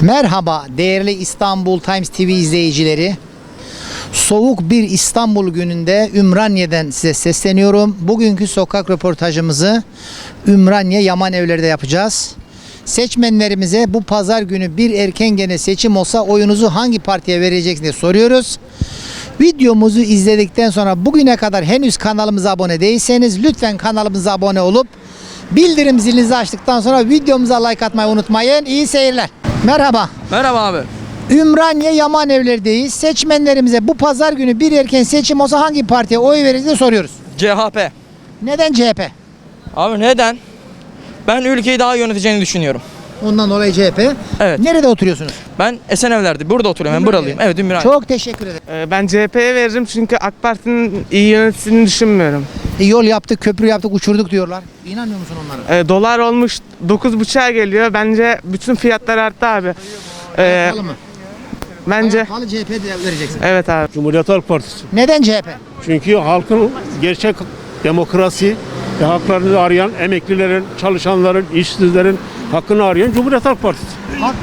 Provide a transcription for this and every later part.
Merhaba değerli İstanbul Times TV izleyicileri. Soğuk bir İstanbul gününde Ümraniye'den size sesleniyorum. Bugünkü sokak röportajımızı Ümraniye Yaman Evler'de yapacağız. Seçmenlerimize bu pazar günü bir erken gene seçim olsa oyunuzu hangi partiye vereceksiniz diye soruyoruz. Videomuzu izledikten sonra bugüne kadar henüz kanalımıza abone değilseniz lütfen kanalımıza abone olup bildirim zilinizi açtıktan sonra videomuza like atmayı unutmayın. İyi seyirler. Merhaba. Merhaba abi. Ümraniye Yaman Evler'deyiz. Seçmenlerimize bu pazar günü bir erken seçim olsa hangi partiye oy veririz diye soruyoruz. CHP. Neden CHP? Abi neden? Ben ülkeyi daha iyi yöneteceğini düşünüyorum. Ondan dolayı CHP. Evet. Nerede oturuyorsunuz? Ben Esenevler'de. Burada oturuyorum. Ben buralıyım. Evet, Ümraniye. Çok teşekkür ederim. Ben CHP'ye veririm çünkü AK Parti'nin iyi yönettiğini düşünmüüyorum. Yol yaptık, köprü yaptık, uçurduk diyorlar. İnanmıyor musun onlara? Dolar olmuş 9,5'a geliyor. Bence bütün fiyatlar arttı abi. Pahalı mı? Bence Pahalı CHP vereceksin. evet abi. Cumhuriyet Halk Partisi. Neden CHP? Çünkü halkın gerçek demokrasi ve haklarını arayan emeklilerin, çalışanların, işsizlerin hakkını arayan Cumhuriyet Halk Partisi. Halk-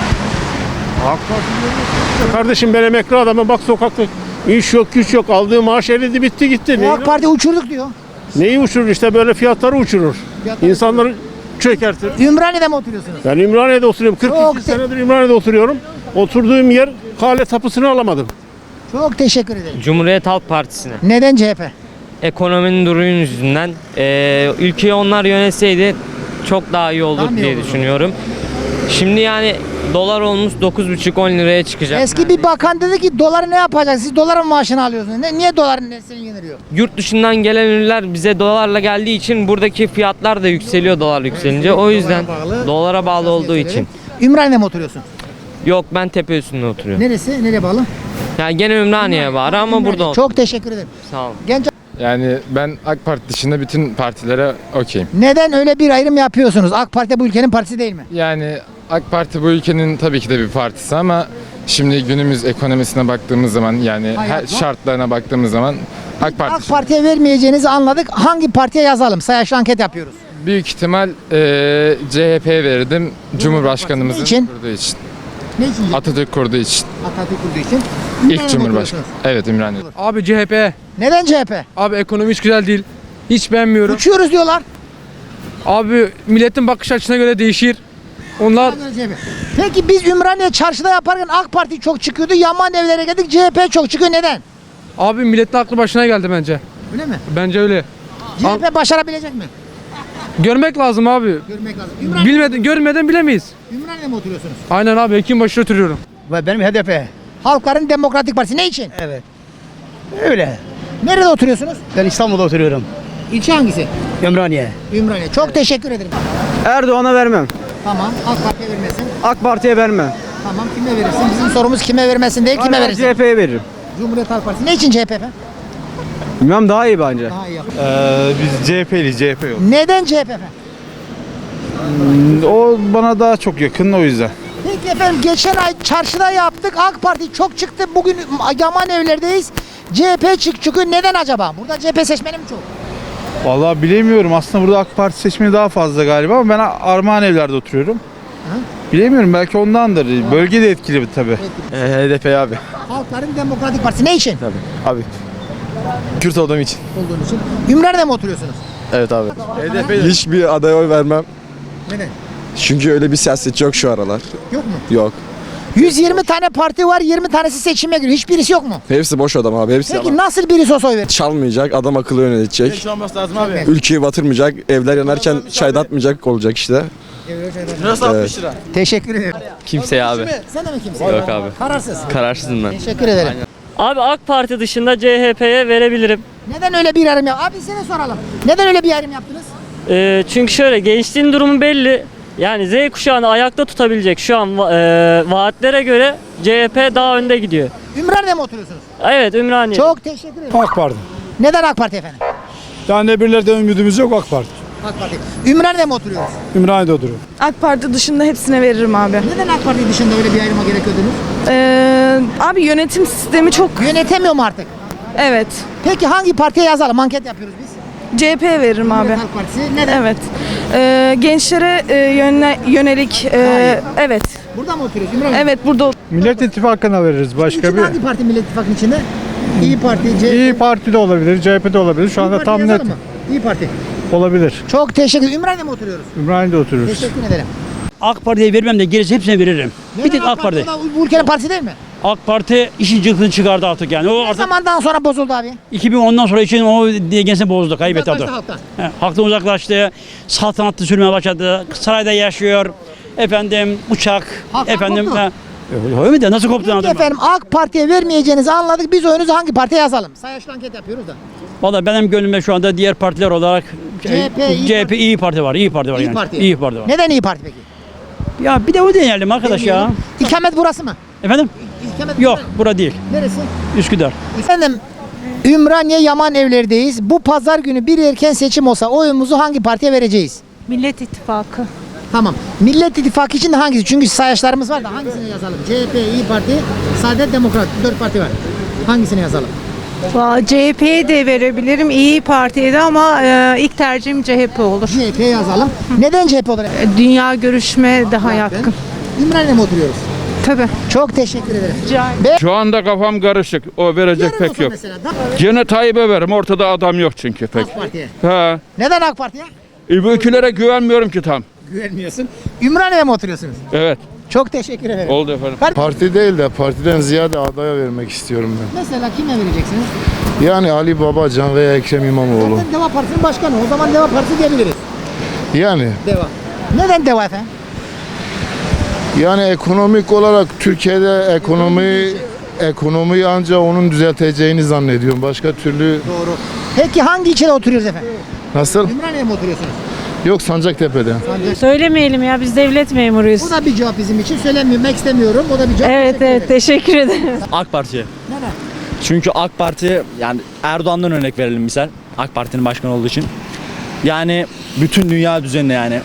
Halk Partisi. Kardeşim ben emekli adamım, bak sokakta iş yok, güç yok, aldığı maaş eridi, bitti gitti. AK Parti uçurduk diyor. Neyi uçurur? İşte böyle fiyatları uçurur. İnsanları çökertir. Ümraniye'de mi oturuyorsunuz? Ben Ümraniye'de oturuyorum. Çok 42 senedir Ümraniye'de oturuyorum. Oturduğum yer kale tapısını alamadım. Çok teşekkür ederim. Cumhuriyet Halk Partisi'ne. Neden CHP? Ekonominin durumu yüzünden ülkeyi onlar yönetseydi çok daha iyi olur Daha mı iyi diye olurdu? düşünüyorum. Şimdi yani dolar olmuş 9,5-10 liraya çıkacak. Eski bir bakan dedi ki doları ne yapacak? Siz doların maaşını alıyorsunuz. Niye doların nesini yeniliyor? Yurt dışından gelen ürünler bize dolarla geldiği için buradaki fiyatlar da yükseliyor dolar yükselince. O yüzden dolara bağlı olduğu için. Ümraniye'de mi oturuyorsun? Yok, ben tepe üstünde oturuyorum. Neresi? Nereye bağlı? Yani gene Ümraniye'ye bağlı ama Ümraniye. burada Çok teşekkür ederim. Sağ olun. Genç Yani ben AK Parti dışında bütün partilere okeyim. neden öyle bir ayrım yapıyorsunuz? AK Parti bu ülkenin partisi değil mi? Yani AK Parti bu ülkenin tabii ki de bir partisi ama şimdi günümüz ekonomisine baktığımız zaman yani Hayat her var. şartlarına baktığımız zaman AK Parti AK Parti'ye vermeyeceğinizi anladık. Hangi partiye yazalım? Sayaçlı anket yapıyoruz. büyük ihtimal CHP'ye verirdim. Cumhurbaşkanımızın Niçin? kurduğu için. Ne için? Atatürk kurduğu için. Atatürk kurduğu için. İlk Ümraniye'de Cumhurbaşkanı. oturuyorsunuz. Evet, Ümraniye. Abi CHP. Neden CHP? Abi ekonomi hiç güzel değil. Hiç beğenmiyorum. Uçuyoruz diyorlar. Abi milletin bakış açısına göre değişir. Onlar Peki biz Ümraniye çarşıda yaparken AK Parti çok çıkıyordu. Yaman Evler'e geldik CHP çok çıkıyor. Neden? abi milletin aklı başına geldi bence. Öyle mi? Bence öyle. CHP başarabilecek mi? Görmek lazım abi. Görmek lazım. Görmeden bilemeyiz. Ümraniye'de mi oturuyorsunuz? Aynen abi, Hekim oturuyorum. Ve benim HDP. Halkların Demokratik Partisi. Ne için? Evet. Öyle. Nerede oturuyorsunuz? Ben İstanbul'da oturuyorum. İlçe hangisi? Ümraniye. Ümraniye. Çok teşekkür ederim. Erdoğan'a vermem. Tamam. AK Parti'ye vermesin. AK Parti'ye vermem. Tamam. Kime verirsin? Bizim sorumuz kime vermesin değil, kime verirsin? CHP'ye veririm. Cumhuriyet Halk Partisi. Ne için CHP efendim? Bilmem, daha iyi bence. Daha iyi. Biz CHP'liyiz, CHP yok. Neden CHP efendim? O bana daha çok yakın, o yüzden. Peki efendim, geçen ay çarşıda yaptık. AK Parti çok çıktı. Bugün Yaman Evler'deyiz. CHP çıkıyor. Neden acaba? Burada CHP seçmeni mi çok? Vallahi bilemiyorum. Aslında burada AK Parti seçmeni daha fazla galiba ama ben Armağan Evler'de oturuyorum. Bilemiyorum, belki ondandır. Bölge de etkili tabii. HDP abi. Halkların Demokratik Partisi. Ne için? Abi. Kürt olduğum için. Olduğun için. Ümraniye'de mi oturuyorsunuz? Evet abi. Hiçbir adaya oy vermem. Neden? Çünkü öyle bir siyasetçi yok şu aralar. Yok mu? Yok. 120 tane parti var, 20 tanesi seçime giriyor. Hiçbirisi yok mu? Hepsi boş adam abi. Hepsi Peki yalan. nasıl birisi olsa oy verir? Çalmayacak, adam akıllı yönetecek. olması lazım abi. Ülkeyi batırmayacak, evler yanarken çaydatmayacak olacak işte. Nasıl 60 lira? Teşekkür ederim. Kimseye abi. Sen de mi kimsin? Yok abi. Kararsız. Kararsızım ben. Teşekkür ederim. Abi AK Parti dışında CHP'ye verebilirim. Neden öyle bir ayrım Abi seni soralım. Neden öyle bir ayrım yaptınız? Çünkü şöyle, gençliğin durumu belli. Yani Z kuşağını ayakta tutabilecek şu an vaatlere göre CHP daha önde gidiyor. Ümraniye'de mi oturuyorsunuz? Evet, Ümraniye. Çok teşekkür ederim. AK Parti. Neden AK Parti efendim? Yani birilerden ümidimiz yok, AK Parti. AK Parti. Ümraniye'de mi oturuyoruz? Ümraniye'de oturuyor. AK Parti dışında hepsine veririm abi. Neden AK Parti dışında öyle bir ayrıma gerek gördünüz? Abi yönetim sistemi çok... Yönetemiyor mu artık? Evet. Peki hangi partiye yazalım? Anket yapıyoruz biz. CHP veririm abi. Cumhuriyet Halk Partisi. Neden? Evet. Gençlere yönelik evet. Burada mı oturuyorsun İmran Bey? Evet burada Millet İttifakı'na veririz başka İçinde bir. hangi parti Millet İttifakı'nın içinde? İyi Parti, CHP. İyi Parti de olabilir, CHP de olabilir. Şu anda İYİ tam Parti net yazalım mı? İyi Parti. olabilir. Çok teşekkür ederim. Ümraniye'de mi oturuyoruz? Ümraniye'de oturuyoruz. Teşekkür ederim. AK Parti'ye vermem de gerisi hepsine veririm. Bir tek AK Parti. O da bu ülkenin partisi değil mi? AK Parti işin cıktını çıkardı artık yani. O Ne artık zamandan sonra bozuldu abi? 2010'dan sonra için o dengesini bozdu, kaybetti artık. Uzaklaştı halktan. Halktan uzaklaştı. Saltanatlı sürmeye başladı. Sarayda yaşıyor. Efendim uçak. Halktan efendim koptu. öyle mi de nasıl koptu Peki anladın mı? efendim AK Parti'ye vermeyeceğinizi anladık. Biz oyunuzu hangi partiye yazalım? Sayaçlı anket yapıyoruz da. Valla benim gönlümde şu anda diğer partiler olarak CHP, İyi Parti var. İyi Parti var İyi yani. Parti. İyi Parti var. Neden İyi Parti peki? Ya bir de o deneyelim arkadaş ya. Deneyelim. İkamet burası mı? Efendim? İkamet Yok, burası. bura değil. Neresi? Üsküdar. Efendim Ümraniye Yaman Evler'deyiz. Bu pazar günü bir erken seçim olsa oyumuzu hangi partiye vereceğiz? Millet İttifakı. Tamam. Millet İttifakı için de hangisi? Çünkü sayaçlarımız var da hangisini yazalım? CHP, İyi Parti, Saadet Demokrat. 4 parti var. Hangisini yazalım? CHP'ye de verebilirim. İyi Parti'ye de ama ilk tercihim CHP olur. CHP'ye yazalım. Neden CHP olarak? Dünya görüşme daha yakın. Ümraniye'de mi oturuyoruz? Tabii. Çok teşekkür ederim. Şu anda kafam karışık. O verecek Yarın pek olsa yok. mesela, Gene Tayyip'e veririm. Ortada adam yok çünkü pek. AK Parti'ye. Ha. Neden AK Parti'ye? Öbürkülere güvenmiyorum ki tam. Güvenmiyorsun. Ümraniye'de mi oturuyorsunuz? Evet. Çok teşekkür ederim. Oldu efendim. Parti değil de partiden ziyade adaya vermek istiyorum ben. Mesela kime vereceksiniz? Yani Ali Babacan veya Ekrem İmamoğlu. Zaten Deva Partisi'nin başkanı. O zaman Deva Partisi diyebiliriz. Yani Deva. Neden Deva efendim? yani ekonomik olarak Türkiye'de ekonomiyi ancak onun düzelteceğini zannediyorum. Başka türlü Doğru. Peki hangi ilçede oturuyoruz efendim? nasıl? Ümraniye'de mi oturuyorsunuz? Yok Sancaktepe'de. Söylemeyelim ya biz devlet memuruyuz. Bu da bir cevap bizim için. Söylemek istemiyorum. O da bir cevap. Teşekkür ederim. teşekkür ederim. AK Parti'ye. Neden? Çünkü AK Parti yani Erdoğan'dan örnek verelim misal. AK Parti'nin başkanı olduğu için. Yani bütün dünya düzenine yani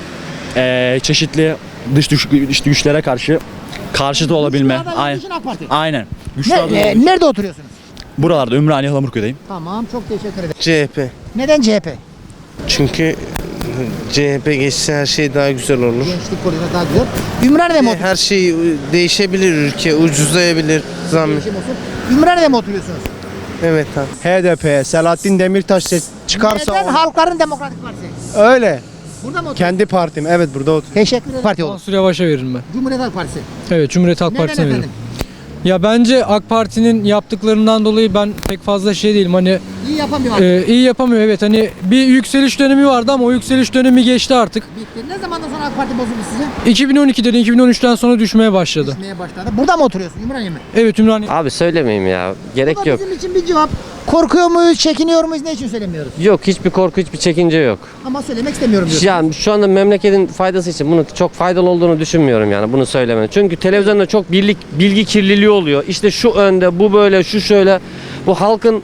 çeşitli dış güçlere karşıt olabilme. Güçlü aday olduğu Aynen. için AK Parti. Aynen. Güçlü aday olduğu için. Nerede oturuyorsunuz? Buralarda Ümraniye Halamurköy'deyim. Tamam. Çok teşekkür ederim. CHP. Neden CHP? Çünkü CHP geçse her şey daha güzel olur. Gençlik politikası daha güzel. Ümraniye'de mi oturuyorsunuz? Her şey değişebilir, ülke ucuzlayabilir. Değişim olsun. Ümraniye'de mi oturuyorsunuz? Evet abi. HDP, Selahattin Demirtaş çıkarsa Neden Halkların Demokratik Partisi? öyle. Burada mı oturuyorsunuz? Kendi partim. Evet burada oturuyorum. Teşekkür ederim. Parti olur. Mansur Yavaş'a veririm ben. Cumhuriyet Halk Partisi. Evet, Cumhuriyet Halk Neden Partisi'ne veririm. efendim? Ya bence AK Parti'nin yaptıklarından dolayı ben pek fazla şey değilim. Hani İyi yapamıyor. iyi yapamıyor, evet. Hani bir yükseliş dönemi vardı ama o yükseliş dönemi geçti artık. Bitti. Ne zamandan sonra AK Parti bozuldu size? 2012'den 2013'ten sonra düşmeye başladı. Düşmeye başladı. Burada mı oturuyorsun? Ümraniye mi? Evet, Ümraniye. Abi söylemeyeyim ya. Gerek Bu da bizim için bir cevap. Korkuyor muyuz, çekiniyor muyuz, ne için söylemiyoruz? Yok, hiçbir korku, hiçbir çekince yok. Ama söylemek istemiyorum diyorsun. Yani şu anda memleketin faydası için bunu çok faydalı olduğunu düşünmüyorum yani bunu söylemenin. Çünkü televizyonda çok bilgi kirliliği oluyor. İşte şu önde, bu böyle, şu şöyle. Bu halkın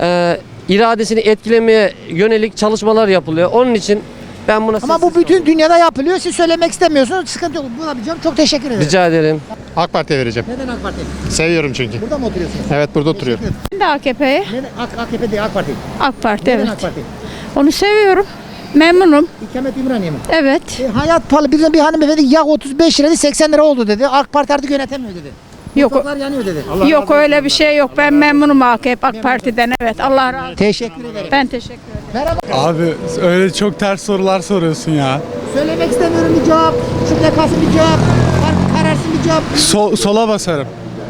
iradesini etkilemeye yönelik çalışmalar yapılıyor. Onun için ben buna Ama bu bütün dünyada yapılıyor. Siz söylemek istemiyorsunuz. Sıkıntı yok. Buna bir cevap. Çok teşekkür ederim. rica ederim. AK Parti'ye vereceğim. Neden AK Parti? Seviyorum çünkü. Burada mı oturuyorsunuz? Evet burada oturuyorum. Ben de AKP'ye. Neden AKP değil AK Parti? AK Parti Neden AK Parti? Onu seviyorum. Memnunum. İkamet İmraniye mi? Evet. Hayat pahalı. Bir hanımefendi yağ 35 liraydı 80 lira oldu dedi. AK Parti artık yönetemiyor dedi. Yok. Sokaklar yanıyor dedi. Yok öyle bir şey yok. Ben memnunum AK Parti'den. Evet. Allah razı olsun. Teşekkür ederim. Ben teşekkür ederim. Merhaba. Abi öyle çok ters sorular soruyorsun ya. Söylemek istemiyorum bir cevap. Şu kalsın bir cevap. Kararsın bir cevap. Sola basarım.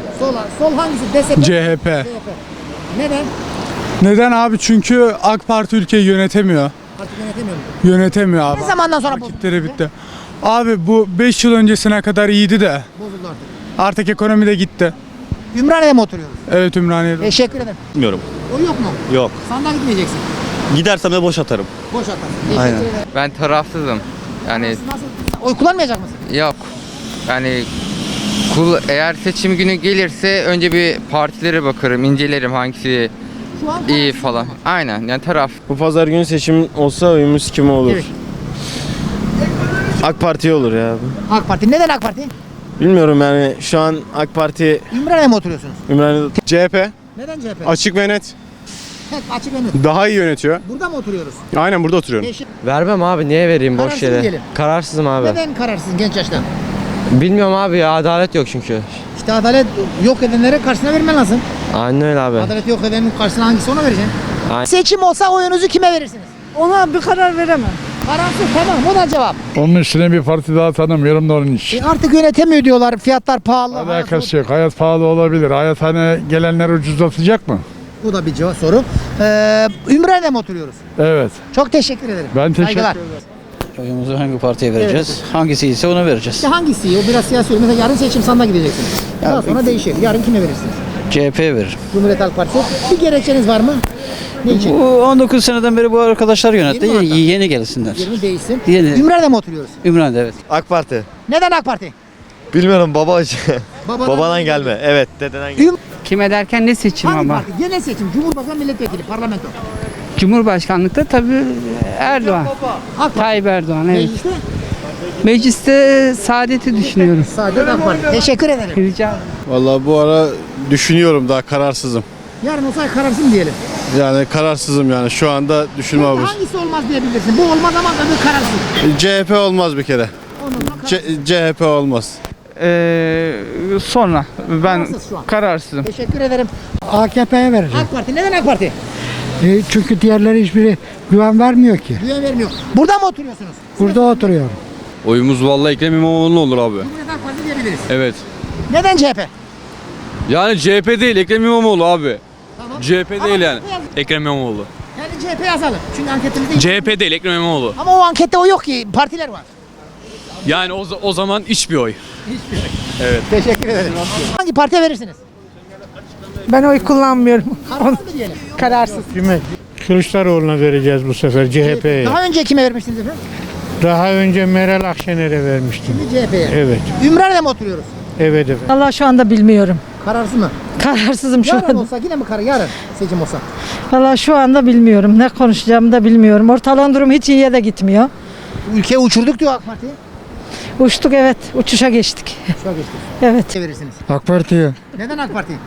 Sol hangisi? DSP. CHP. Neden? Neden abi? Çünkü AK Parti ülkeyi yönetemiyor. Artık yönetemiyor mu? Yönetemiyor abi. Ne zamandan sonra bozuldu? Vakitleri bitti. Abi bu 5 yıl öncesine kadar iyiydi de Bozuldu artık. artık ekonomi de gitti. Ümraniye'de mi oturuyoruz? Evet Ümraniye'de. Teşekkür ederim. Bilmiyorum. O yok mu? Yok. Sandığa gitmeyeceksin. Gidersem de boş atarım. Boş atarsın. Teşekkür Aynen. ederim. Ben tarafsızım. Yani Nasıl? Oy kullanmayacak mısın? yok. Yani eğer seçim günü gelirse önce bir partilere bakarım, incelerim hangisi Şu an iyi falan. Aynen yani taraf. Bu pazar günü seçim olsa oyumuz kime olur? Evet. AK Parti'ye olur ya. AK Parti. Neden AK Parti? Bilmiyorum yani şu an AK Parti Ümraniye'de mi oturuyorsunuz? Ümraniye'de. CHP Neden CHP? açık ve net. Tek açık ve net. Daha iyi yönetiyor. Burada mı oturuyoruz? Aynen burada oturuyorum. Vermem abi, niye vereyim boş Kararsız yere? diyelim. Kararsızım abi. Neden kararsızsın genç yaşta? Bilmiyorum abi ya, adalet yok çünkü. İşte adalet yok edenlere karşısına vermen lazım. Aynen öyle abi. Adalet yok edenin karşısına hangisi ona vereceksin? Aynen. Seçim olsa oyunuzu kime verirsiniz? Ona bir karar veremem. Kararsız, tamam, o da cevap. Onun üstüne bir parti daha tanımıyorum da onun için. Artık yönetemiyor diyorlar, fiyatlar pahalı. Alakası yok. Hayat pahalı olabilir. Hayat hani gelenler ucuzlatacak mı? Bu da bir cevap soru. Ümraniye'de mi oturuyoruz? Evet. Çok teşekkür ederim. Ben teşekkür Saygılar. ederim. Oyumuzu hangi partiye vereceğiz? Hangisi ise ona vereceğiz. İşte hangisi? O biraz siyasi. Mesela yarın seçim sandığa gideceksiniz. Daha sonra değişir. Yarın kime verirsiniz? CHP'ye veririm. Cumhuriyet Halk Partisi. Bir gerekçeniz var mı? Ne için? Bu 19 seneden beri bu arkadaşlar yönetti. 20 hatta. Yeni gelsinler. 20 değişsin. Yeni. Ümraniye'de mi oturuyoruz? Ümraniye'de evet. AK Parti. Neden AK Parti? Bilmiyorum baba. Babadan gelme. Evet, dededen gelme. Kime derken ne seçim Hangi parti? Genel seçim. Cumhurbaşkanı, milletvekili, parlamento. Cumhurbaşkanlıkta tabii Erdoğan. AK Parti. Tayyip Erdoğan evet. Mecliste Mecliste saadeti düşünüyorum. sadece AK Parti. Teşekkür ederim. Rica ederim. Vallahi bu ara düşünüyorum, daha kararsızım. Yarın olsa kararsın diyelim. Yani kararsızım yani şu anda düşünme abi. Hangisi olmaz diyebilirsin. Bu olmaz ama öbür kararsın. CHP olmaz bir kere. CHP olmaz. Sonra ben Kararsız şu an. kararsızım. Teşekkür ederim. AKP'ye vereceğim. AK Parti. Neden AK Parti? Çünkü diğerleri hiçbiri güven vermiyor ki. Güven vermiyor. Burada mı oturuyorsunuz? Burada oturuyorum. Oyumuz vallahi Ekrem İmamoğlu olur abi. Cumhuriyet Halk Partisi diyebiliriz. Evet. Neden CHP? Yani CHP değil, Ekrem İmamoğlu abi. Tamam. CHP Ama değil yani. CHP yazalım. Ekrem İmamoğlu. Yani CHP yazalım. Çünkü anketimizde CHP değil, Ekrem İmamoğlu. Ama o ankette o yok ki. Partiler var. Yani o zaman hiçbir oy. Teşekkür ederim. Hangi partiye verirsiniz? Ben oy kullanmıyorum. Kararsız mı diyelim? Kararsız. Kılıçdaroğlu'na vereceğiz bu sefer, CHP'ye. Daha önce kime vermiştiniz efendim? Daha önce Meral Akşener'e vermiştim. Şimdi CHP'ye. Evet, Ümraniye'de mi oturuyoruz? evet efendim. Allah şu anda bilmiyorum. Kararsız mı? Kararsızım şu Yarın anda. olsa yine mi yarın seçim olsa? Valla şu anda bilmiyorum. Ne konuşacağımı da bilmiyorum. Ortalığın durumu hiç iyiye de gitmiyor. Ülkeyi uçurduk diyor AK Parti. Uçtuk evet. Uçuşa geçtik. Şu an geçtik. Evet. Ne verirsiniz? AK Parti'ye. Neden AK Parti?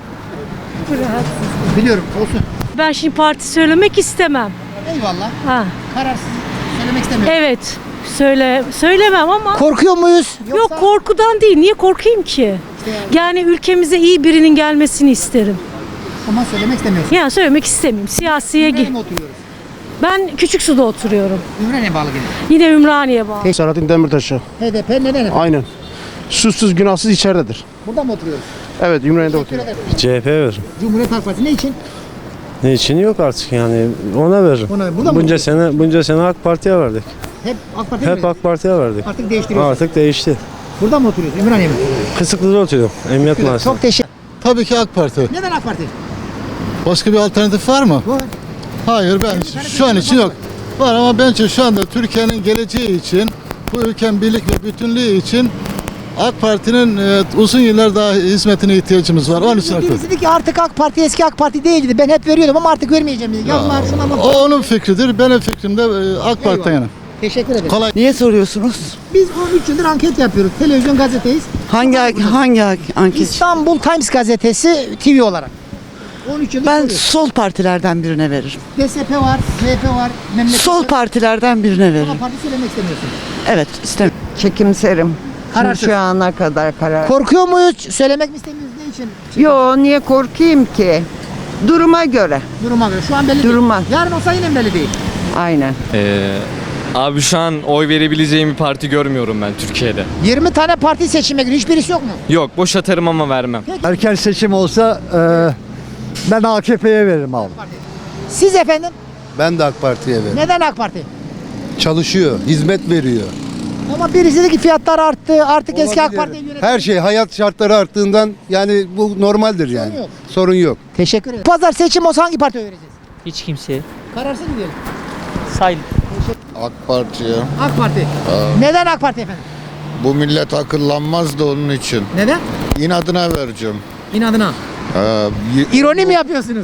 Biliyorum olsun. Ben şimdi parti söylemek istemem. Eyvallah. Ha. Kararsız söylemek istemiyorum. Evet. Söylemem ama. Korkuyor muyuz? Yok korkudan değil. Niye korkayım ki? Yani ülkemize iyi birinin gelmesini isterim. Ama söylemek istemiyorsun. Yani söylemek istemiyorum. Siyasiye Ümraniye'de mi oturuyoruz? Ben Küçüksu'da oturuyorum. Ümraniye bağlı gene. Yine Ümraniye bağlı. Selahattin Demirtaş'ı. HDP neden efendim? Aynen. Suçsuz günahsız içeridedir. Burada mı oturuyoruz? Evet, Ümraniye'de Teşekkür ederim. CHP ver. Cumhuriyet Halk Partisi ne için? Ne için yok artık yani, ona veririm. Ona, burada mı oturuyoruz? Bunca sene AK Parti'ye verdik. Hep AK Parti'ye mi? Parti'ye verdik. Artık değiştiriyoruz. Artık değişti. Burada mı oturuyoruz? Ümraniye mi? Kısıklı'da oturuyorum. Emniyet Mahallesi'nde. Çok teşekkür. Tabii ki AK Parti. Neden AK Parti? Başka bir alternatif var mı? Var. Hayır, ben şu an için yok. Var ama bence şu anda Türkiye'nin geleceği için, bu ülkenin birlik ve bütünlüğü için AK Parti'nin uzun yıllar daha hizmetine ihtiyacımız var. Onun için AK Parti. Birisi dedi ki artık AK Parti eski AK Parti değildi. Ben hep veriyordum ama artık vermeyeceğim dedi. Yazılar şuna bak. O onun fikridir. Benim fikrim de AK Parti'den yana. Teşekkür ederim. Kolay. Niye soruyorsunuz? Biz 13 yıldır anket yapıyoruz. Televizyon gazeteyiz. Hangi anket? İstanbul Times gazetesi TV olarak. 13 yıldır soruyoruz. sol partilerden birine veririm. DSP var, MHP var, memleket var. partilerden birine Ama parti söylemek istemiyorsun. Evet, istemiyorum. Çekimserim. Kararsız. Şu ana kadar karar. Korkuyor muyuz? Söylemek mi istemiyoruz? Ne için? Yo, niye korkayım ki? Duruma göre. Duruma göre. Şu an belli Duruma. değil. Yarın olsa yine belli değil. Aynen. Abi şu an oy verebileceğim bir parti görmüyorum ben Türkiye'de. 20 tane parti seçime giriyor. Hiçbirisi yok mu? Yok, boş atarım ama vermem. Erken seçim olsa ben AKP'ye veririm abi. Siz efendim? Ben de AK Parti'ye veririm. Neden AK Parti? Çalışıyor, hizmet veriyor. Ama birisi dedi ki fiyatlar arttı. Artık eski AK Parti'ye yönetim. Her şey hayat şartları arttığından yani bu normaldir yani. yok. Sorun yok. Teşekkür ederim. Pazar seçim olsa hangi partiye vereceğiz? Hiç kimseye. Kararsız mı diyelim? Sayın. AK Parti'ye. AK Parti. Neden AK Parti efendim? Bu millet akıllanmaz da onun için. Neden? İnadına vereceğim. İnadına. İroni mi yapıyorsunuz?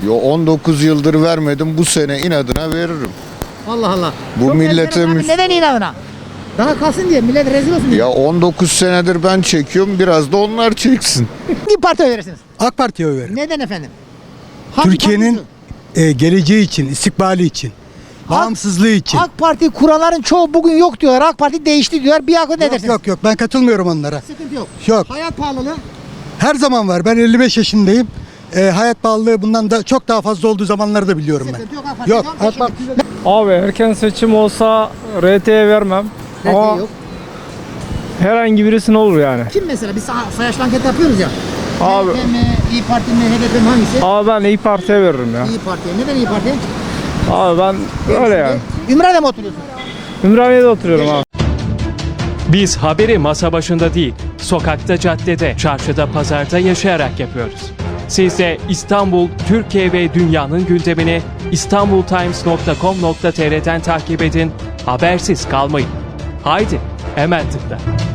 19 yıldır vermedim, bu sene inadına veririm. Allah Allah. Bu Çok millete enteresan abi. müs- Neden inadına? Daha kalsın diye millet rezil olsun diye. Ya 19 senedir ben çekiyorum, biraz da onlar çeksin. Hangi partiye verirsiniz? AK Parti'ye oy veririm. Neden efendim? Hangi Türkiye'nin partisi? geleceği için, istikbali için, bağımsızlığı için. AK Parti kuranların çoğu bugün yok diyorlar. AK Parti değişti diyorlar. Bir akıl ne dersiniz? Yok ben katılmıyorum onlara. Sıkıntı yok. Yok. Hayat pahalılığı. Her zaman var. Ben 55 yaşındayım. Hayat pahalılığı bundan da çok daha fazla olduğu zamanları da biliyorum ben. Sıkıntı yok. AK Parti Yok. yok. Abi erken seçim olsa RT'ye vermem. Ama yok. herhangi birisine olur yani. Kim mesela? Biz sayaçlı anket yapıyoruz ya. Abi, CHP mi, İYİ Parti mi, HDP mi hangisi? abi ben İYİ Parti'ye veririm ya. İYİ Parti'ye. Neden İYİ Parti? Abi ben öyle yani. Ümraniye'de mi oturuyorsun? Ümraniye'de oturuyorum abi. Biz haberi masa başında değil, sokakta, caddede, çarşıda, pazarda yaşayarak yapıyoruz. Siz de İstanbul, Türkiye ve dünyanın gündemini istanbultimes.com.tr'den takip edin, habersiz kalmayın. Haydi, hemen tıkla.